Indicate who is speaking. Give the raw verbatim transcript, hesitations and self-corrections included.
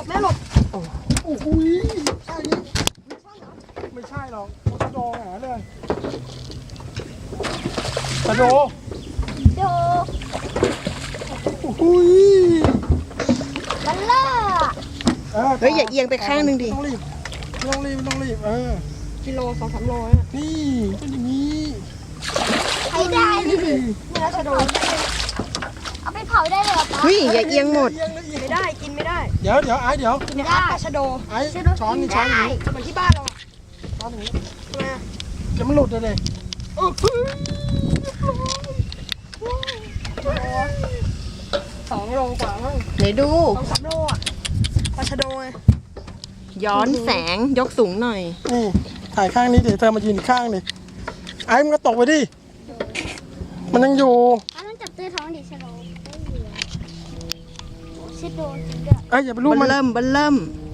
Speaker 1: แม่หลบ
Speaker 2: โอ้โหใช่นี่ไม่ใช่หรอกปลาโดหาเลยปลาโด
Speaker 1: โด
Speaker 2: โอ้โห
Speaker 1: บัลล่า
Speaker 3: เฮ้ยอย่าเอียงไปข้างหนึ่งดิ
Speaker 2: ไม่ต้องรีบไม่ต้องรีบไม่ต้องรีบเออ
Speaker 3: กิโลสองสามโล
Speaker 2: นี่เป็นอย่างนี้
Speaker 1: ใช้ได้ดิ
Speaker 2: นี่
Speaker 1: นี่เราจะโดนเอาไปเผาได้เลยเหรอป๊า
Speaker 3: เฮ้ยอย่าเอียงหมด
Speaker 2: เอียงเลยเอียง
Speaker 3: ไม่ได้กินไม่ได้
Speaker 2: เดี๋ยวเดี๋ยวไอ้เดี๋ยว
Speaker 3: กินนะครับปลาชะโด
Speaker 2: ไอ้ช้อนนี่ช้อนอย่างนี้
Speaker 3: เหมือนที่บ้านเรา
Speaker 2: ช้อนอย่างนี้
Speaker 3: ทำไมอะ
Speaker 2: เดี๋ยวมันหลุดเลยเลยโอ้โห
Speaker 3: สองโลกว่ามั้ง
Speaker 4: ไหนดู
Speaker 3: สองสามโลอ่ะปลาชะโดไง
Speaker 4: ย้อนแสงยกสูงหน่อย
Speaker 2: นี่ถ่ายข้างนี้เดี๋ยวเธอมายืนอีกข้างดิไอ้มันก็ตกไปดิมันยังอยู่
Speaker 1: ป้าต้องจับตัวท้องดิชะโดได้เหลือชะโดจริงด้วย
Speaker 2: เอ้ยอย่าไปรูป
Speaker 4: บั
Speaker 2: มัน
Speaker 4: นเริ่มบันเริ่ม
Speaker 1: เ